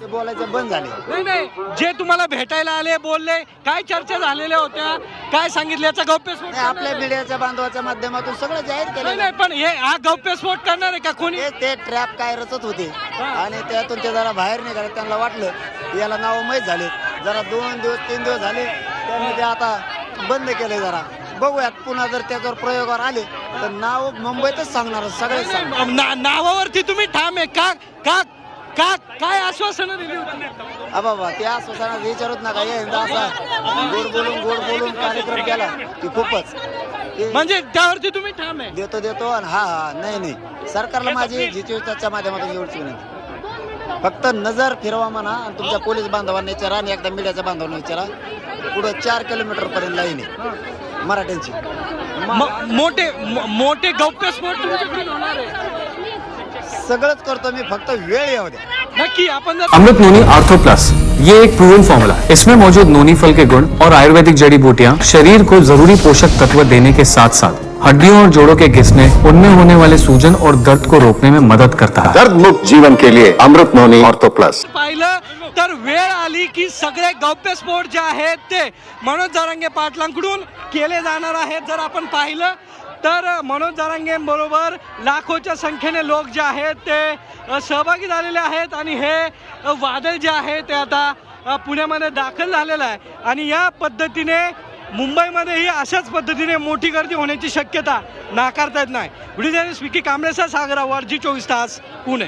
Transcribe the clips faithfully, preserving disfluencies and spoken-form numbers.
ते बोलायचं बंद झाले. नाही नाही, जे तुम्हाला भेटायला आले बोलले काय चर्चा झालेल्या होत्या, काय सांगितलं याचा गौप्यस्फोट नाही, आपल्या मीडियाच्या बांधवाच्या माध्यमातून सगळं जाहीर नाही केलं. नाही, पण हे हा गौप्यस्फोट करणार आहे का कोणी? ते ते ट्रॅप काय रचत होते आणि त्यातून ते जरा बाहेर निघाले. त्यांना वाटलं की याला नाव माहीत झाले. जरा दोन दिवस तीन दिवस झाले त्यांनी ते आता बंद केले. जरा बघूयात, पुन्हा जर त्याच्यावर प्रयोगावर आले तर नाव मुंबईतच सांगणार सगळे. ना- नावावरती तुम्ही ठाम आहे का? का का काय आश्वासनं दिली होती? बाबा ते आश्वासनात विचारूच नका. यंदा असा गोड बोलून गोड बोलून कार्यक्रम केला की खूपच ते म्हणजे त्यावरती तुम्ही ठाम आहे? देतो देतो आणि हा हा नाही नाही, सरकारला माझी जितेशच्या माध्यमातून एवढीच विनंती, फक्त नजर फिरवा म्हणा आणि तुमच्या पोलीस बांधवांना विचारा आणि एकदा मीडियाच्या बांधवांना विचारा. पुढं चार किलोमीटर पर्यंत लाईन आहे मराठ्यांची. म- मोठे म- मोठे गौप्यस्फोट तुमच्याकडून होणार आहे? सगळंच करतो मी, फक्त वेळ येऊ द्या. नक्की. आपण जर अमृत नोनी आर्थो प्लस, ये एक प्रूवन फॉर्मूला है। इसमें मौजूद नोनी फल के गुण और आयुर्वेदिक जड़ी बूटियां शरीर को जरूरी पोषक तत्व देने के साथ साथ हड्डियों और जोड़ों के घिसने, उनमें होने वाले सूजन और दर्द को रोकने में मदद करता है। दर्द मुक्त जीवन के लिए अमृत नोनी ऑर्थो प्लस। पाहिलं तर वेळ आली की सगळे गौप्यस्फोट जे आहेत ते मनोज जरांगे पाटलांकडून केले जाणार आहेत. जर आपण पाहिलं तर मनोज जरांगे बरोबर लाखोच्या संख्येने लोक जे आहेत ते अ, सहभागी झालेले आहेत आणि हे अ, वादळ जे आहे ते आता अ, पुण्यामध्ये दाखल झालेलं आहे. आणि या पद्धतीने मुंबईमध्येही अशाच पद्धतीने मोठी गर्दी होण्याची शक्यता नाकारता येत नाही. व्हिडिओ जर्नलिस्ट विकी कांबळेसह सागर आव्हाड, जी चोवीस तास, पुणे.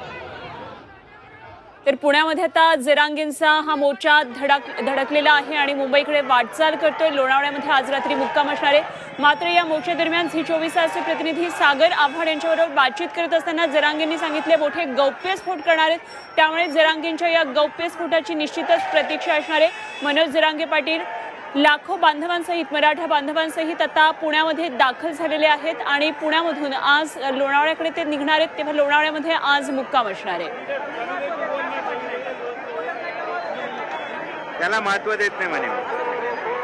तर पुण्यामध्ये आता जरांगेंचा हा मोर्चा धडक धडकलेला आहे आणि मुंबईकडे वाटचाल करतोय. लोणावळ्यामध्ये आज रात्री मुक्काम असणार आहे. मात्र या मोर्चा दरम्यान झी चोवीस तासचे प्रतिनिधी सागर आव्हाड यांच्याबरोबर बातचीत करत असताना जरांगेंनी सांगितले मोठे गौप्यस्फोट करणार आहेत. त्यामुळे जरांगेंच्या या गौप्यस्फोटाची निश्चितच प्रतीक्षा असणार आहे. मनोज जरांगे पाटील लाखो बांधवांसहित, मराठा बांधवांसहित आता पुण्यामध्ये दाखल झालेले आहेत आणि पुण्यामधून आज लोणावळ्याकडे ते निघणार आहेत. तेव्हा लोणावळ्यामध्ये आज मुक्काम असणार आहे. त्याला महत्व देत नाही म्हणे.